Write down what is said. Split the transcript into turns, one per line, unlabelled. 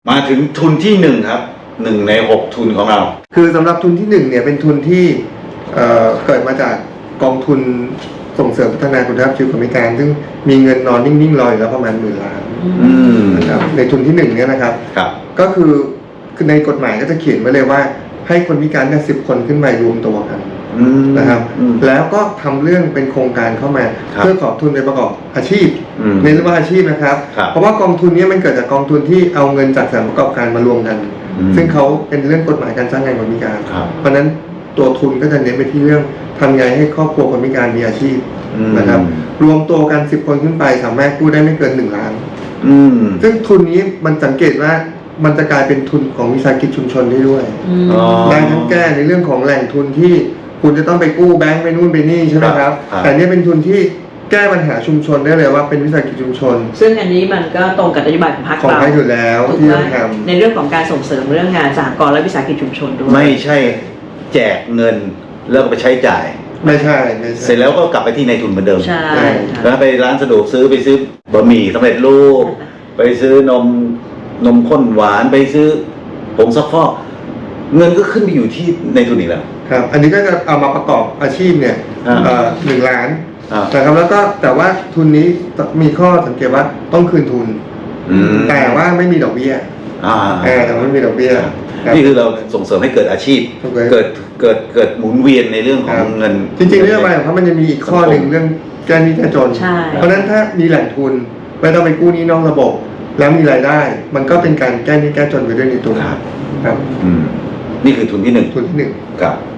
มาถึงทุนที่1ครับ1 ใน 6ทุนของเรา
คือสำหรับทุนที่1เนี่ยเป็นทุนที่เกิดมาจากกองทุนส่งเสริมพัฒนาคุณภาพชีวิตคนพิการซึ่งมีเงินนอนนิ่งๆรออยู่แล้วประมาณ10,000 ล้านนะครับในทุนที่1เนี่ยนะครับก็คือในกฎหมายก็จะเขียนไว้เลยว่าให้คนพิการเนี่ย10 คนขึ้นไปรวมตัวกันนะครับแล้วก็ทำเรื่องเป็นโครงการเข้ามาเพื่อขอทุนไปประกอบอาชีพในเรื่องว่าอาชีพนะครับเพราะว่ากองทุนนี้มันเกิดจากกองทุนที่เอาเงินจากสถานประกอบการมารวมกันซึ่งเขาเป็นเรื่องกฎหมายการจ้างงานคนพิการเพราะนั้นตัวทุนก็จะเน้นไปที่เรื่องทำไงให้ครอบครัวคนพิการมีอาชีพนะครับรวมตัวกัน10 คนขึ้นไปสามารถกู้ได้ไม่เกิน1 ล้านซึ่งทุนนี้มันสังเกตว่ามันจะกลายเป็นทุนของวิสาหกิจชุมชนได้ด้วยได้ทั้งแก้ในเรื่องของแหล่งทุนที่คุณจะต้องไปกู้แบงก์ไปนู่นไปนี่ใช่ไหมครับแต่นี่เป็นทุนที่แก้ปัญหาชุมชนได้เลยว่าเป็นวิสาหกิจชุมชน
ซึ่งอันนี้มันก็ตรงกับนโยบายของพรรคเรา
อยู่แล้วที่ต้องท
ำในเรื่องของการส่งเสริมเรื่องงานสหกรณ์และวิสาหกิจชุมชนด้วย
ไม่ใช่แจกเงินแล้วก็ไปใช้จ่าย
ไม่ใช่
เสร็จแล้วก็กลับไปที่ในทุนเหมือนเดิม
ใช่
แล้วไปร้านสะดวกซื้อไปซื้อบะหมี่สำเร็จรูปไปซื้อนมข้นหวานไปซื้อผงซักฟอกเงินก็ขึ้นไปอยู่ที่ในทุนอีกแล้ว
ครับอันนี้ก็จะเอามาประกอบอาชีพเนี่ย1 ล้านนะครับแล้วก็แต่ว่าทุนนี้มีข้อสังเกตว่าต้องคืนทุนแต่ว่าไม่มีดอกเบี้ยแต่ไม่มีดอกเบี้ย
นี่คือเราส่งเสริมให้เกิดอาชีพเกิดหมุนเวียนในเรื่องของเงิน
จริงๆเรื่องอะไรของมันจะมีอีกข้อหนึ่งเรื่องแก้หนี้แก้จนเพราะฉะนั้นถ้ามีแหล่งทุนไม่ต้องไปกู้หนี้นอกระบบแล้วมีรายได้มันก็เป็นการแก้หนี้แก้จนไปด้วยในตัวครับ
นี่คือทุนที่1
ทุนที่1
ครับ